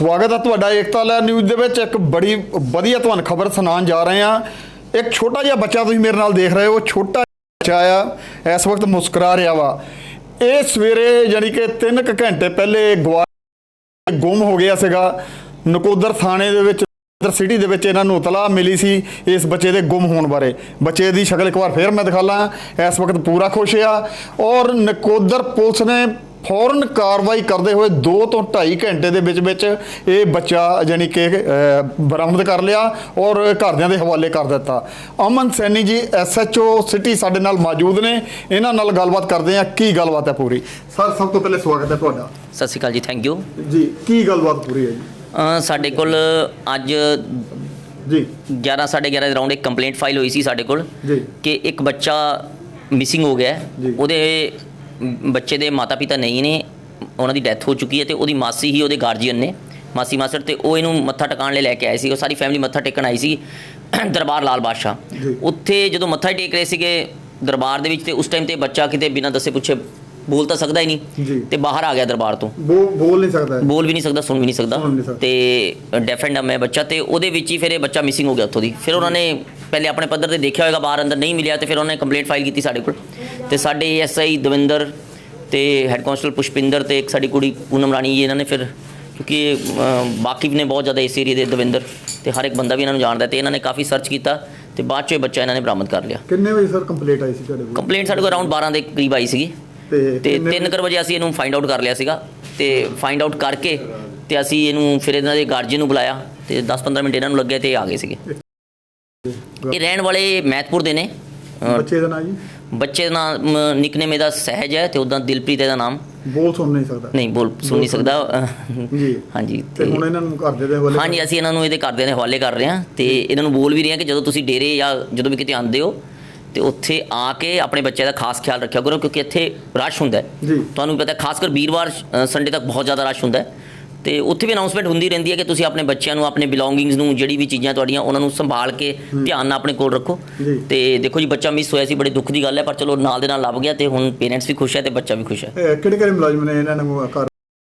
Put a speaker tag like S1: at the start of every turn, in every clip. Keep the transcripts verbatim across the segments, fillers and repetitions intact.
S1: ਸਵਾਗਤ ਹੈ ਤੁਹਾਡਾ ਏਕਤਾ ਲਹਿਰ ਨਿਊਜ਼ ਦੇ ਵਿੱਚ। ਇੱਕ ਬੜੀ ਵਧੀਆ ਤੁਹਾਨੂੰ ਖਬਰ ਸੁਣਾਉਣ ਜਾ ਰਹੇ ਹਾਂ। ਇੱਕ ਛੋਟਾ ਜਿਹਾ ਬੱਚਾ ਤੁਸੀਂ ਮੇਰੇ ਨਾਲ ਦੇਖ ਰਹੇ ਹੋ, ਛੋਟਾ ਬੱਚਾ ਆ ਇਸ ਵਕਤ ਮੁਸਕਰਾ ਰਿਹਾ ਵਾ। ਇਹ ਸਵੇਰੇ ਯਾਨੀ ਕਿ ਤਿੰਨ ਕੁ ਘੰਟੇ ਪਹਿਲੇ ਗਵਾ ਗੁੰਮ ਹੋ ਗਿਆ ਸੀਗਾ। ਨਕੋਦਰ ਥਾਣੇ ਦੇ ਵਿੱਚ ਸਿਟੀ ਦੇ ਵਿੱਚ ਇਹਨਾਂ ਨੂੰ ਇਤਲਾਹ ਮਿਲੀ ਸੀ ਇਸ ਬੱਚੇ ਦੇ ਗੁੰਮ ਹੋਣ ਬਾਰੇ। ਬੱਚੇ ਦੀ ਸ਼ਕਲ ਇੱਕ ਵਾਰ ਫਿਰ ਮੈਂ ਦਿਖਾ ਲਾਂ। ਇਸ ਵਕਤ ਪੂਰਾ ਖੁਸ਼ ਆ ਔਰ ਨਕੋਦਰ ਪੁਲਿਸ ਨੇ ਫੌਰਨ ਕਾਰਵਾਈ ਕਰਦੇ ਹੋਏ ਦੋ ਤੋਂ ਢਾਈ ਘੰਟੇ ਦੇ ਵਿੱਚ ਵਿੱਚ ਇਹ ਬੱਚਾ ਯਾਨੀ ਕਿ ਬਰਾਮਦ ਕਰ ਲਿਆ ਔਰ ਘਰਦਿਆਂ ਦੇ ਹਵਾਲੇ ਕਰ ਦਿੱਤਾ। ਅਮਨ Saini G S H O city ਸਾਡੇ ਨਾਲ ਮੌਜੂਦ ਨੇ, ਇਹਨਾਂ ਨਾਲ ਗੱਲਬਾਤ ਕਰਦੇ ਆ। ਕੀ ਗੱਲਬਾਤ ਹੈ ਪੂਰੀ? ਸਰ ਸਭ ਤੋਂ ਪਹਿਲੇ ਸਵਾਗਤ ਹੈ ਤੁਹਾਡਾ।
S2: ਸਤਿ ਸ਼੍ਰੀ ਅਕਾਲ ਜੀ, ਥੈਂਕ ਯੂ
S1: ਜੀ। ਕੀ ਗੱਲਬਾਤ ਪੂਰੀ ਹੈ ਜੀ?
S2: ਸਾਡੇ ਕੋਲ ਅੱਜ
S1: ਜੀ
S2: ਗਿਆਰਾਂ ਸਾਢੇ ਗਿਆਰਾਂ ਦੇ ਰਾਊਂਡ ਇੱਕ ਕੰਪਲੇਂਟ ਫਾਈਲ ਹੋਈ ਸੀ ਸਾਡੇ ਕੋਲ ਕਿ ਇੱਕ ਬੱਚਾ ਮਿਸਿੰਗ ਹੋ ਗਿਆ। ਉਹਦੇ ਬੱਚੇ ਦੇ ਮਾਤਾ ਪਿਤਾ ਨਹੀਂ ਨੇ, ਉਹਨਾਂ ਦੀ ਡੈਥ ਹੋ ਚੁੱਕੀ ਹੈ ਤੇ ਉਹਦੀ ਮਾਸੀ ਹੀ ਉਹਦੇ ਗਾਰਜੀਅਨ ਨੇ, ਮਾਸੀ ਮਾਸੜ, ਤੇ ਉਹ ਇਹਨੂੰ ਮੱਥਾ ਟਿਕਾਉਣ ਲਈ ਲੈ ਕੇ ਆਏ ਸੀ। ਉਹ ਸਾਰੀ ਫੈਮਿਲੀ ਮੱਥਾ ਟੇਕਣ ਆਈ ਸੀ ਦਰਬਾਰ ਲਾਲ ਬਾਦਸ਼ਾਹ। ਉੱਥੇ ਜਦੋਂ ਮੱਥਾ ਟੇਕ ਰਹੇ ਸੀਗੇ ਦਰਬਾਰ ਦੇ ਵਿੱਚ, ਤੇ ਉਸ ਟਾਈਮ ਤੇ ਬੱਚਾ ਕਿਤੇ ਬਿਨਾਂ ਦੱਸੇ ਪੁੱਛੇ ਬੋਲ ਤਾਂ ਸਕਦਾ ਹੀ ਨਹੀਂ ਤੇ ਬਾਹਰ ਆ ਗਿਆ ਦਰਬਾਰ ਤੋਂ।
S1: ਬੋਲ ਨਹੀਂ ਸਕਦਾ,
S2: ਬੋਲ ਵੀ ਨਹੀਂ ਸਕਦਾ, ਸੁਣ ਵੀ ਨਹੀਂ ਸਕਦਾ ਤੇ ਡੈਫ ਐਂਡ ਡੰਮ ਹੈ ਬੱਚਾ। ਤੇ ਉਹਦੇ ਵਿੱਚ ਹੀ ਫਿਰ ਇਹ ਬੱਚਾ ਮਿਸਿੰਗ ਹੋ ਗਿਆ ਉੱਥੋਂ ਦੀ। ਫਿਰ ਉਹਨਾਂ ਨੇ ਪਹਿਲੇ ਆਪਣੇ ਪੱਧਰ ਤੇ ਦੇਖਿਆ ਹੋਏਗਾ, ਬਾਹਰ ਅੰਦਰ ਨਹੀਂ ਮਿਲਿਆ, ਤੇ ਫਿਰ ਉਹਨਾਂ ਨੇ ਕੰਪਲੇਂਟ ਫਾਈਲ ਕੀਤੀ ਸਾਡੇ ਕੋਲ। ਤੇ ਸਾਡੇ ਐਸ ਆਈ ਦਵਿੰਦਰ ਤੇ ਹੈੱਡ ਕਾਂਸਟੇਬਲ ਪੁਸ਼ਪਿੰਦਰ ਤੇ ਇੱਕ ਸਾਡੀ ਕੁੜੀ ਪੂਨਮ ਰਾਣੀ ਜੀ, ਇਹਨਾਂ ਨੇ ਫਿਰ ਕਿਉਂਕਿ ਵਾਕਿਫ ਨੇ ਬਹੁਤ ਜ਼ਿਆਦਾ ਇਸ ਏਰੀਏ ਦੇ ਦਵਿੰਦਰ, ਤੇ ਹਰ ਇੱਕ ਬੰਦਾ ਵੀ ਇਹਨਾਂ ਨੂੰ ਜਾਣਦਾ, ਤੇ ਇਹਨਾਂ ਨੇ ਕਾਫੀ ਸਰਚ ਕੀਤਾ ਤੇ ਬਾਅਦ 'ਚ ਇਹ ਬੱਚਾ ਇਹਨਾਂ ਨੇ ਬਰਾਮਦ ਕਰ ਲਿਆ।
S1: ਕਿੰਨੇ ਵਜੇ ਸਰ ਕੰਪਲੇਂਟ ਆਈ ਸੀ ਤੁਹਾਡੇ ਕੋਲ? ਕੰਪਲੇਂਟ ਸਾਡੇ
S2: ਕੋਲ ਅਰਾਊਂਡ ਬਾਰਾਂ ਦੇ ਕਰੀਬ ਆਈ ਸੀਗੀ ਤੇ ਤਿੰਨ ਕੁ ਵਜੇ ਅਸੀਂ ਇਹਨੂੰ ਫਾਈਂਡ ਆਊਟ ਕਰ ਲਿਆ ਸੀਗਾ। ਤੇ ਫਾਈਂਡ ਆਊਟ ਕਰਕੇ ਤੇ ਅਸੀਂ ਇਹਨੂੰ ਫਿਰ ਇਹਨਾਂ ਦੇ ਗਾਰਜੀਅਨ ਨੂੰ ਬੁਲਾਇਆ ਤੇ ਦਸ ਪੰਦਰਾਂ ਮਿੰਟ ਇਹਨਾਂ ਨੂੰ ਲੱਗੇ ਤੇ ਆ ਗਏ ਸੀਗੇ। ਇਹ ਰਹਿਣ ਵਾਲੇ ਮਹਿਤਪੁਰ ਦੇ ਨੇ।
S1: ਬੱਚੇ ਦਾ ਨਾਮ ਜੀ? ਬੱਚੇ
S2: ਦਾ ਨਾਮ ਨਿਕਨੇਮ ਇਹਦਾ ਸਹਿਜ ਹੈ ਤੇ ਉੱਦਾਂ ਦਿਲਪ੍ਰੀਤ ਇਹਦਾ ਨਾਮ।
S1: ਬੋਲ ਸੁਣ ਨਹੀਂ ਸਕਦਾ? ਨਹੀਂ,
S2: ਬੋਲ ਸੁਣ ਨਹੀਂ ਸਕਦਾ ਜੀ। ਹਾਂਜੀ,
S1: ਤੇ ਹੁਣ ਇਹਨਾਂ ਨੂੰ ਘਰਦੇ ਦੇ ਹਵਾਲੇ?
S2: ਹਾਂਜੀ, ਅਸੀਂ ਇਹਨਾਂ ਨੂੰ ਇਹਦੇ ਘਰਦਿਆਂ ਦੇ ਹਵਾਲੇ ਕਰ ਰਹੇ ਹਾਂ ਤੇ ਇਹਨਾਂ ਨੂੰ ਬੋਲ ਵੀ ਰਹੇ ਹਾਂ ਕਿ ਜਦੋਂ ਤੁਸੀਂ ਡੇਰੇ ਜਾਂ ਜਦੋਂ ਵੀ ਕਿਤੇ ਆਉਂਦੇ ਹੋ ਤੇ ਉੱਥੇ ਆ ਕੇ ਆਪਣੇ ਬੱਚੇ ਦਾ ਖਾਸ ਖਿਆਲ ਰੱਖਿਆ ਕਰੋ, ਕਿਉਂਕਿ ਇੱਥੇ ਰਸ਼ ਹੁੰਦਾ ਜੀ। ਤੁਹਾਨੂੰ ਪਤਾ ਖਾਸ ਕਰ ਵੀਰਵਾਰ ਸੰਡੇ ਤੱਕ ਬਹੁਤ ਜ਼ਿਆਦਾ ਰਸ਼ ਹੁੰਦਾ ਤੇ ਉੱਥੇ ਵੀ ਅਨਾਉਂਸਮੈਂਟ ਹੁੰਦੀ ਰਹਿੰਦੀ ਹੈ ਕਿ ਤੁਸੀਂ ਆਪਣੇ ਬੱਚਿਆਂ ਨੂੰ, ਆਪਣੇ ਬਿਲੋਂਗਿੰਗਸ ਨੂੰ, ਜਿਹੜੀ ਵੀ ਚੀਜ਼ਾਂ ਤੁਹਾਡੀਆਂ ਉਹਨਾਂ ਨੂੰ ਸੰਭਾਲ ਕੇ ਧਿਆਨ ਨਾਲ ਆਪਣੇ ਕੋਲ ਰੱਖੋ। ਤੇ ਦੇਖੋ ਜੀ, ਬੱਚਾ ਮਿਸ ਹੋਇਆ ਸੀ, ਬੜੇ ਦੁੱਖ ਦੀ ਗੱਲ ਹੈ, ਪਰ ਚਲੋ ਨਾਲ ਦੇ ਨਾਲ ਲੱਭ ਗਿਆ ਤੇ ਹੁਣ ਪੇਰੈਂਟਸ ਵੀ ਖੁਸ਼ ਹੈ ਤੇ ਬੱਚਾ ਵੀ ਖੁਸ਼ ਹੈ।
S1: ਕਿਹੜੇ ਕਿਹੜੇ ਮੁਲਾਜ਼ਮ ਨੇ ਇਹਨਾਂ ਨੂੰ ਘਰ?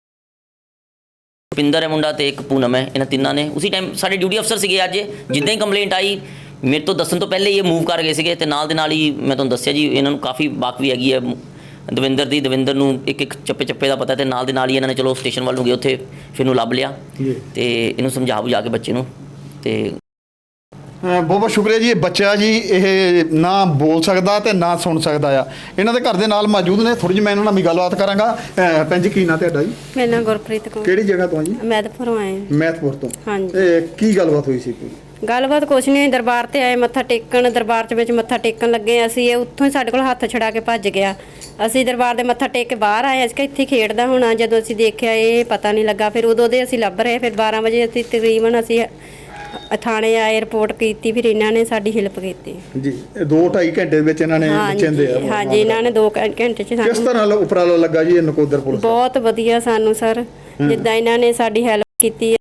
S2: ਪਿੰਦਰ ਹੈ ਮੁੰਡਾ ਤੇ ਇੱਕ ਪੂਨਮ ਹੈ, ਇਹਨਾਂ ਤਿੰਨਾਂ ਨੇ। ਉਸੇ ਟਾਈਮ ਸਾਡੇ ਡਿਊਟੀ ਅਫਸਰ ਸੀਗੇ ਅੱਜ, ਜਿੱਦਾਂ ਹੀ ਕੰਪਲੇਂਟ ਆਈ ਮੇਰੇ ਤੋਂ ਦੱਸਣ ਤੋਂ ਪਹਿਲੇ ਹੀ ਇਹ ਮੂਵ ਕਰ ਗਏ ਸੀਗੇ ਤੇ ਨਾਲ ਦੇ ਨਾਲ ਹੀ ਮੈਂ ਤੁਹਾਨੂੰ ਦੱਸਿਆ ਜੀ, ਇਹਨਾਂ ਨੂੰ ਕਾਫੀ ਵਾਕਫੀ ਹੈਗੀ ਹੈ ਦਵਿੰਦਰ ਦੀ। ਦਵਿੰਦਰ ਨੂੰ ਇੱਕ ਇੱਕ ਚੱਪੇ ਚੱਪੇ ਦਾ ਪਤਾ ਤੇ ਨਾਲ ਦੇ ਨਾਲ ਹੀ ਇਹਨਾਂ ਨੇ ਚਲੋ ਸਟੇਸ਼ਨ ਵੱਲ ਨੂੰ ਗਏ, ਉੱਥੇ ਫਿਰ ਇਹਨੂੰ ਲੱਭ ਲਿਆ ਤੇ ਇਹਨੂੰ ਸਮਝਾ ਬੁਝਾ ਕੇ ਬੱਚੇ ਨੂੰ। ਤੇ
S1: ਬਹੁਤ ਬਹੁਤ ਸ਼ੁਕਰੀਆ ਜੀ। ਇਹ ਬੱਚਾ ਜੀ ਇਹ ਨਾ ਬੋਲ ਸਕਦਾ ਤੇ ਨਾ ਸੁਣ ਸਕਦਾ ਆ। ਇਹਨਾਂ ਦੇ ਘਰ ਦੇ ਨਾਲ ਮੌਜੂਦ ਨੇ, ਥੋੜੀ ਜਿਹੀ ਮੈਂ ਇਹਨਾਂ ਨਾਲ ਵੀ ਗੱਲਬਾਤ ਕਰਾਂਗਾ। ਭੈਣ ਜੀ, ਕੀ ਨਾਂ ਤੁਹਾਡਾ ਜੀ?
S3: ਮੇਰਾ ਨਾਮ ਗੁਰਪ੍ਰੀਤ ਕੌਰ।
S1: ਕਿਹੜੀ ਜਗ੍ਹਾ ਤੋਂ ਜੀ?
S3: ਮਹਿਤਪੁਰੋਂ ਆਏ।
S1: ਮਹਿਤਪੁਰ ਤੋਂ?
S3: ਹਾਂਜੀ।
S1: ਕੀ ਗੱਲਬਾਤ ਹੋਈ ਸੀ?
S3: ਗੱਲਬਾਤ ਕੁਛ ਨਹੀਂ, ਦਰਬਾਰ ਤੇ ਆਏ ਮੱਥਾ ਟੇਕਣ, ਦਰਬਾਰ 'ਚ ਵਿੱਚ ਮੱਥਾ ਟੇਕਣ ਲੱਗੇ ਅਸੀਂ, ਇਹ ਉੱਥੋਂ ਹੀ ਸਾਡੇ ਕੋਲ ਹੱਥ ਛੜਾ ਕੇ ਭੱਜ ਗਿਆ। ਅਸੀਂ ਦਰਬਾਰ ਦੇ ਮੱਥਾ ਟੇਕ ਕੇ ਬਾਹਰ ਆਏ, ਅਸੀਂ ਕਿ ਇੱਥੇ ਖੇਡਦਾ ਹੋਣਾ। ਜਦੋਂ ਅਸੀਂ ਦੇਖਿਆ ਇਹ ਪਤਾ ਨਹੀਂ ਲੱਗਾ, ਫਿਰ ਉਦੋਂ ਦੇ ਅਸੀਂ ਲੱਭ ਰਹੇ। ਫਿਰ ਬਾਰਾਂ ਵਜੇ ਅਸੀਂ ਤਕਰੀਬਨ ਅਸੀਂ ਥਾਣੇ ਆਏ, ਰਿਪੋਰਟ ਕੀਤੀ, ਫਿਰ ਇਹਨਾਂ ਨੇ ਸਾਡੀ ਹੈਲਪ ਕੀਤੀ ਜੀ।
S1: ਦੋ ਢਾਈ ਘੰਟੇ ਦੇ ਵਿੱਚ ਇਹਨਾਂ ਨੇ ਚਿੰਦੇ ਆ?
S3: ਹਾਂਜੀ, ਇਹਨਾਂ ਨੇ ਦੋ ਘੰਟੇ 'ਚ।
S1: ਕਿਸ ਤਰ੍ਹਾਂ ਉਪਰਾਲਾ ਲੱਗਾ ਜੀ ਇਹ ਨਕੋਦਰ ਪੁਲਿਸ?
S3: ਬਹੁਤ ਵਧੀਆ ਸਾਨੂੰ ਸਰ, ਜਿੱਦਾਂ ਇਹਨਾਂ ਨੇ ਸਾਡੀ ਹੈਲਪ ਕੀਤੀ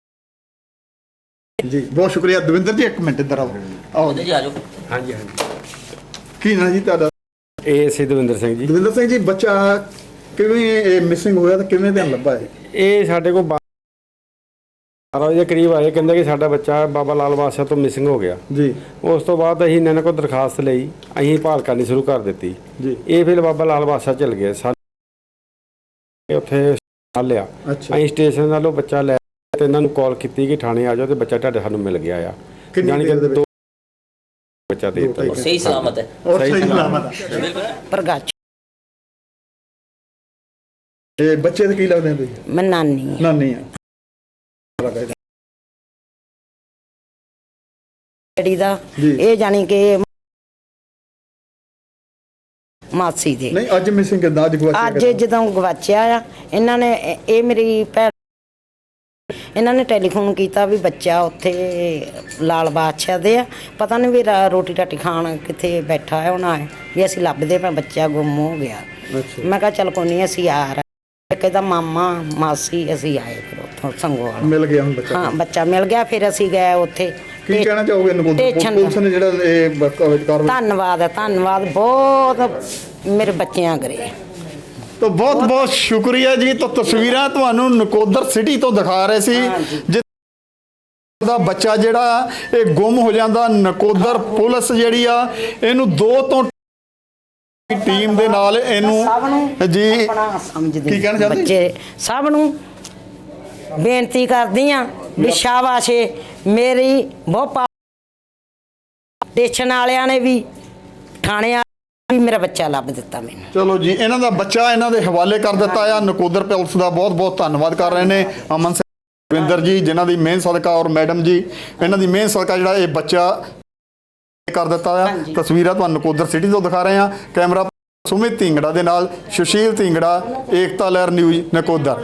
S1: ਜੀ। ਬਹੁਤ ਸ਼ੁਕਰੀਆ ਦਵਿੰਦਰ ਜੀ। ਇੱਕ ਮਿੰਟ ਇੱਧਰ ਆਓ। ਆਓ
S2: ਜੀ, ਆ ਜਾਓ।
S4: ਹਾਂਜੀ ਹਾਂਜੀ।
S1: ਕੀ ਨਾਂ ਜੀ ਤੁਹਾਡਾ?
S4: ਇਹ ਸੀ ਦਵਿੰਦਰ ਸਿੰਘ ਜੀ।
S1: ਦਵਿੰਦਰ ਸਿੰਘ ਜੀ, ਬੱਚਾ ਕਿਵੇਂ ਮਿਸਿੰਗ ਹੋਇਆ ਤੇ ਕਿਵੇਂ ਧਿਆਨ ਲੱਭਾ ਹੈ?
S4: ਇਹ ਸਾਡੇ ਕੋਲ ਬਾਰਾਂ ਵਜੇ ਕਰੀਬ ਆਏ, ਕਹਿੰਦੇ ਕਿ ਸਾਡਾ ਬੱਚਾ ਬਾਬਾ ਲਾਲ ਬਾਦਸ਼ਾਹ ਤੋਂ ਮਿਸਿੰਗ ਹੋ ਗਿਆ ਜੀ। ਉਸ ਤੋਂ ਬਾਅਦ ਅਸੀਂ ਇਹਨਾਂ ਕੋਲ ਦਰਖਾਸਤ ਲਈ, ਅਸੀਂ ਭਾਲ ਕਰਨੀ ਸ਼ੁਰੂ ਕਰ ਦਿੱਤੀ ਜੀ। ਇਹ ਫਿਰ ਬਾਬਾ ਲਾਲ ਬਾਦਸ਼ਾਹ ਚਲ ਗਏ, ਸਾਨੂੰ ਉੱਥੇ ਲਿਆ। ਅਸੀਂ ਸਟੇਸ਼ਨ ਨਾਲੋਂ ਬੱਚਾ ਲੈ ਤੇ ਇਹਨਾਂ ਨੂੰ ਕਾਲ ਕੀਤੀ ਕਿ ਥਾਣੇ ਆ ਜਾਓ ਤੇ ਬੱਚਾ ਤੁਹਾਡੇ ਸਾਨੂੰ ਮਿਲ ਗਿਆ ਆ। ਜਾਣੀ ਕਿ ਦੋ ਬੱਚਾ ਦੇ ਦਿੱਤਾ,
S2: ਸਹੀ ਸਲਾਮਤ ਹੈ।
S1: ਸਹੀ ਸਲਾਮਤ ਹੈ।
S5: ਪ੍ਰਗਾਚ
S1: ਇਹ ਬੱਚੇ ਦੇ ਕੀ ਲੱਗਦੇ ਆ ਤੁਸੀਂ?
S5: ਮੈਂ ਨਾਨੀ
S1: ਨਾਨੀ ਆ।
S5: ਜਿਹੜੀ ਦਾ ਇਹ ਜਾਣੀ ਕਿ ਮਾਸੀ ਦੇ
S1: ਨਹੀਂ, ਅੱਜ ਮਿਸਿੰਗ ਕਿੱਦਾਂ? ਅੱਜ ਗਵਾਚਿਆ?
S5: ਅੱਜ ਜਦੋਂ ਗਵਾਚਿਆ ਆ, ਇਹਨਾਂ ਨੇ ਇਹ ਮੇਰੀ ਭੈਣ ਇਹਨਾਂ ਨੇ ਟੈਲੀਫੋਨ ਕੀਤਾ ਵੀ ਬੱਚਾ ਉੱਥੇ ਲਾਲ ਬਾਦਸ਼ਾਹ ਦੇ ਆ, ਪਤਾ ਨਹੀਂ ਵੀ ਰੋਟੀ ਰਾਟੀ ਖਾਣ ਕਿੱਥੇ ਬੈਠਾ ਹੈ ਉਹਨਾਂ ਹੈ ਵੀ ਅਸੀਂ ਲੱਭਦੇ ਪਏ, ਬੱਚਾ ਗੁੰਮ ਹੋ ਗਿਆ। ਮੈਂ ਕਿਹਾ ਚੱਲ ਕੋਈ ਨਹੀਂ, ਅਸੀਂ ਆ ਰਹੇ। ਕਹਿੰਦਾ ਮਾਮਾ ਮਾਸੀ, ਅਸੀਂ ਆਏ ਫਿਰ ਉੱਥੋਂ ਸੰਗੋਵਾਲ।
S1: ਮਿਲ ਗਿਆ ਹੁਣ ਬੱਚਾ?
S5: ਹਾਂ, ਬੱਚਾ ਮਿਲ ਗਿਆ। ਫਿਰ ਅਸੀਂ ਗਏ ਉੱਥੇ।
S1: ਕੀ ਕਹਿਣਾ ਚਾਹੋਗੇ ਪੁਲਿਸ ਨੇ ਜਿਹੜਾ ਇਹ ਕਾਰਵਾਈ?
S5: ਧੰਨਵਾਦ ਹੈ, ਧੰਨਵਾਦ ਬਹੁਤ ਮੇਰੇ ਬੱਚਿਆਂ ਕਰੇ।
S1: ਤਾਂ ਬਹੁਤ ਬਹੁਤ ਸ਼ੁਕਰੀਆ ਜੀ। ਤਾਂ ਤਸਵੀਰਾਂ ਤੁਹਾਨੂੰ ਨਕੋਦਰ ਸਿਟੀ ਤੋਂ ਦਿਖਾ ਰਹੇ ਸੀ ਜਿ ਦਾ ਬੱਚਾ ਜਿਹੜਾ ਇਹ ਗੁੰਮ ਹੋ ਜਾਂਦਾ। ਨਕੋਦਰ ਪੁਲਿਸ ਜਿਹੜੀ ਆ ਇਹਨੂੰ ਦੋ ਤੋਂ ਟੀਮ ਦੇ ਨਾਲ ਇਹਨੂੰ ਜੀ
S5: ਆਪਣਾ ਸਮਝਦੇ
S1: ਕੀ ਕਹਿਣਾ ਚਾਹੁੰਦੇ?
S5: ਬੱਚੇ ਸਭ ਨੂੰ ਬੇਨਤੀ ਕਰਦੀ ਆ ਵੀ ਸ਼ਾਬਾਸ਼ ਏ, ਮੇਰੀ ਬਹੁਤ ਪਾ- ਸਟੇਸ਼ਨ ਵਾਲਿਆਂ ਨੇ ਵੀ ਥਾਣੇ ਵਾਲਿਆਂ ਵੀ ਮੇਰਾ ਬੱਚਾ ਲੱਭ ਦਿੱਤਾ ਮੈਨੂੰ।
S1: ਚਲੋ ਜੀ, ਇਹਨਾਂ ਦਾ ਬੱਚਾ ਇਹਨਾਂ ਦੇ ਹਵਾਲੇ ਕਰ ਦਿੱਤਾ ਆ। ਨਕੋਦਰ ਪੁਲਿਸ ਦਾ ਬਹੁਤ ਬਹੁਤ ਧੰਨਵਾਦ ਕਰ ਰਹੇ ਨੇ ਅਮਨ ਸਿੰਘ ਰਵਿੰਦਰ ਜੀ, ਜਿਨ੍ਹਾਂ ਦੀ ਮਿਹਨਤ ਸਦਕਾ, ਔਰ ਮੈਡਮ ਜੀ ਇਹਨਾਂ ਦੀ ਮਿਹਨਤ ਸਦਕਾ ਜਿਹੜਾ ਇਹ ਬੱਚਾ ਕਰ ਦਿੱਤਾ ਆ। ਤਸਵੀਰਾਂ ਤੁਹਾਨੂੰ ਨਕੋਦਰ ਸਿਟੀ ਤੋਂ ਦਿਖਾ ਰਹੇ ਆ। ਕੈਮਰਾ ਸੁਮਿਤ ਢਿੰਗੜਾ ਦੇ ਨਾਲ ਸੁਸ਼ੀਲ ਢਿੰਗੜਾ, ਏਕਤਾ ਲਹਿਰ ਨਿਊਜ਼ ਨਕੋਦਰ।